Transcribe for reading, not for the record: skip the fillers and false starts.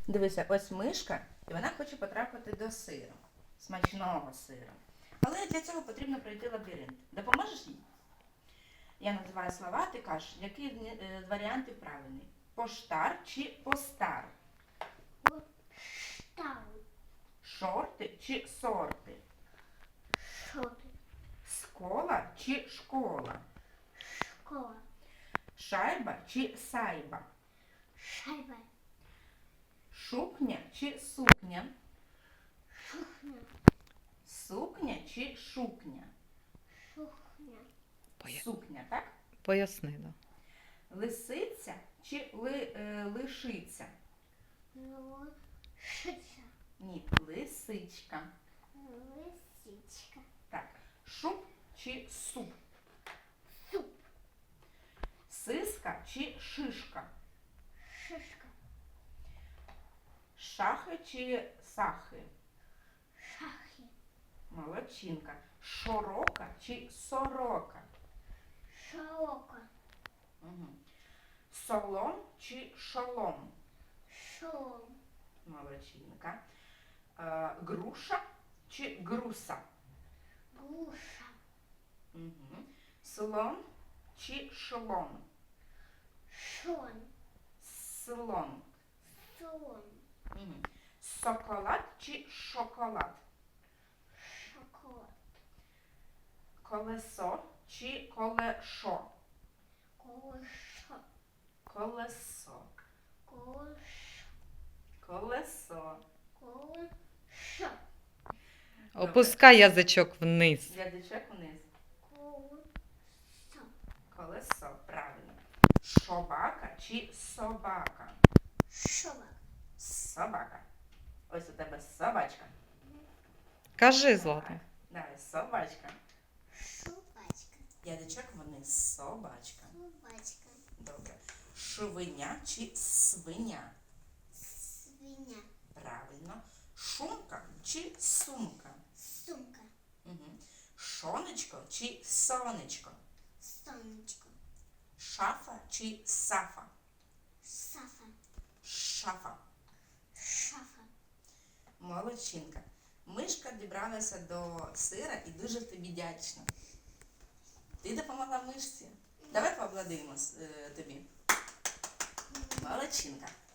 Дивися, ось мишка, і вона хоче потрапити до сиру. Смачного сиру. Але для цього потрібно пройти лабіринт. Допоможеш їй? Я називаю слова, ти кажеш, які варіанти правильні. Поштар чи постар? Штау. Шорти чи сорти? Шоти. Скола чи школа? Школа. Шайба чи сайба? Шайба. Шукня чи сукня? Шухня. Сукня чи шукня? Шухня. Сукня, так? Поясни, да. Лисиця чи лишиця? Лисичка. Ні, лисичка. Лисичка. Так. Шуб чи суп? Суп. Сиска чи шишка? Шишка. Шахи чи сахи? Шахи. Молодчинка. Широка чи сорока? Широка. Угу. Солом чи шолом? Шолом. Молодчинка. Груша чи груса? Груша. Угу. Слон чи шлон? Шон. Слон. Слон. Угу. Соколад чи шоколад? Шоколад. Колесо чи колешо? Колесо. Колесо. Колесо. Колесо. Колесо. Опускай язичок вниз. Язичок вниз. Колесо. Колесо, правильно. Шобака чи собака? Шобак. Собака. Ось у тебе собачка. Кажи, Злата. Давай, собачка. Шубачка. Язичок вниз. Собачка. Шубачка. Добре. Швиня чи свиня? Свиня. Правильно. Шумка чи сумка? Сумка. Угу. Шонечко чи сонечко? Сонечко. Шафа чи сафа? Сафа. Шафа. Шафа. Молодчинка. Мишка дібралася до сира і дуже тобі вдячна. Ти допомогла мишці. Давай поаплодуємо тобі. Молодчинка.